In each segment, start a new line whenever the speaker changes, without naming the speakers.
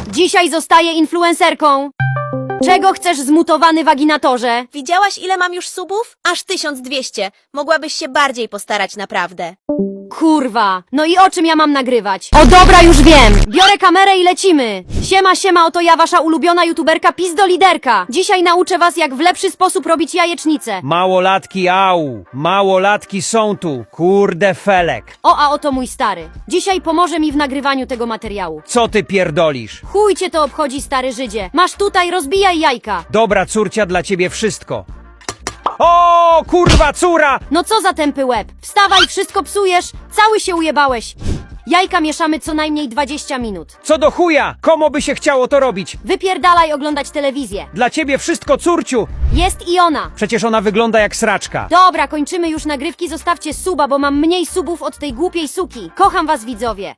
Dzisiaj zostaję influencerką. Czego chcesz, zmutowany waginatorze?
Widziałaś, ile mam już subów? Aż 1200. Mogłabyś się bardziej postarać, naprawdę.
Kurwa, no i o czym ja mam nagrywać? O dobra, już wiem! Biorę kamerę i lecimy! Siema, oto ja, wasza ulubiona youtuberka Pizdoliderka. Dzisiaj nauczę was, jak w lepszy sposób robić jajecznicę.
Małolatki, au! Małolatki są tu, kurde felek!
O, a oto mój stary. Dzisiaj pomoże mi w nagrywaniu tego materiału.
Co ty pierdolisz?
Chuj cię to obchodzi, stary Żydzie. Masz tutaj, rozbijaj jajka.
Dobra córcia, dla ciebie wszystko. O, kurwa, córa!
No co za tępy łeb? Wstawaj, wszystko psujesz, cały się ujebałeś. Jajka mieszamy co najmniej 20 minut.
Co do chuja? Komu by się chciało to robić?
Wypierdalaj oglądać telewizję.
Dla ciebie wszystko, córciu!
Jest i ona.
Przecież ona wygląda jak sraczka.
Dobra, kończymy już nagrywki, zostawcie suba, bo mam mniej subów od tej głupiej suki. Kocham was, widzowie.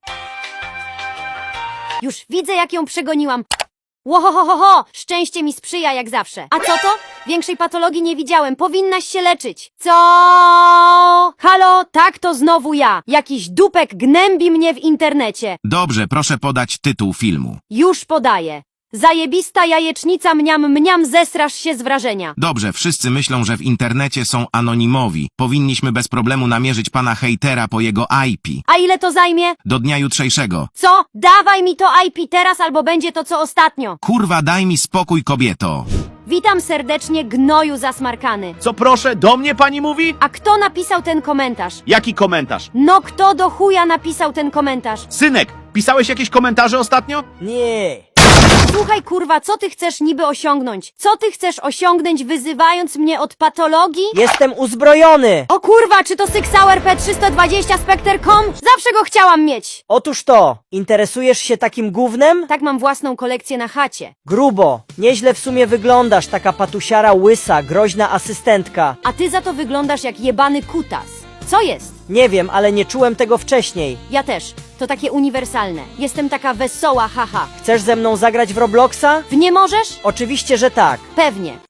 Już widzę, jak ją przegoniłam. Łohohoho, szczęście mi sprzyja jak zawsze. A co to? Większej patologii nie widziałem, powinnaś się leczyć. Co? Halo, tak to znowu ja. Jakiś dupek gnębi mnie w internecie.
Dobrze, proszę podać tytuł filmu.
Już podaję. Zajebista jajecznica mniam, zesrasz się z wrażenia.
Dobrze, wszyscy myślą, że w internecie są anonimowi. Powinniśmy bez problemu namierzyć pana hejtera po jego IP.
A ile to zajmie?
Do dnia jutrzejszego.
Co? Dawaj mi to IP teraz, albo będzie to co ostatnio.
Kurwa, daj mi spokój, kobieto.
Witam serdecznie, gnoju zasmarkany.
Co proszę, do mnie pani mówi?
A kto napisał ten komentarz?
Jaki komentarz?
No kto do chuja napisał ten komentarz?
Synek, pisałeś jakieś komentarze ostatnio?
Nie.
Słuchaj kurwa, co ty chcesz niby osiągnąć? Co ty chcesz osiągnąć, wyzywając mnie od patologii?
Jestem uzbrojony!
O kurwa, czy to Sixhour P320 Spectre.com? Zawsze go chciałam mieć!
Otóż to, interesujesz się takim gównem?
Tak, mam własną kolekcję na chacie.
Grubo, nieźle w sumie wyglądasz, taka patusiara łysa, groźna asystentka.
A ty za to wyglądasz jak jebany kutas. Co jest?
Nie wiem, ale nie czułem tego wcześniej.
Ja też. To takie uniwersalne. Jestem taka wesoła, haha.
Chcesz ze mną zagrać w Robloxa?
W nie możesz?
Oczywiście, że tak.
Pewnie.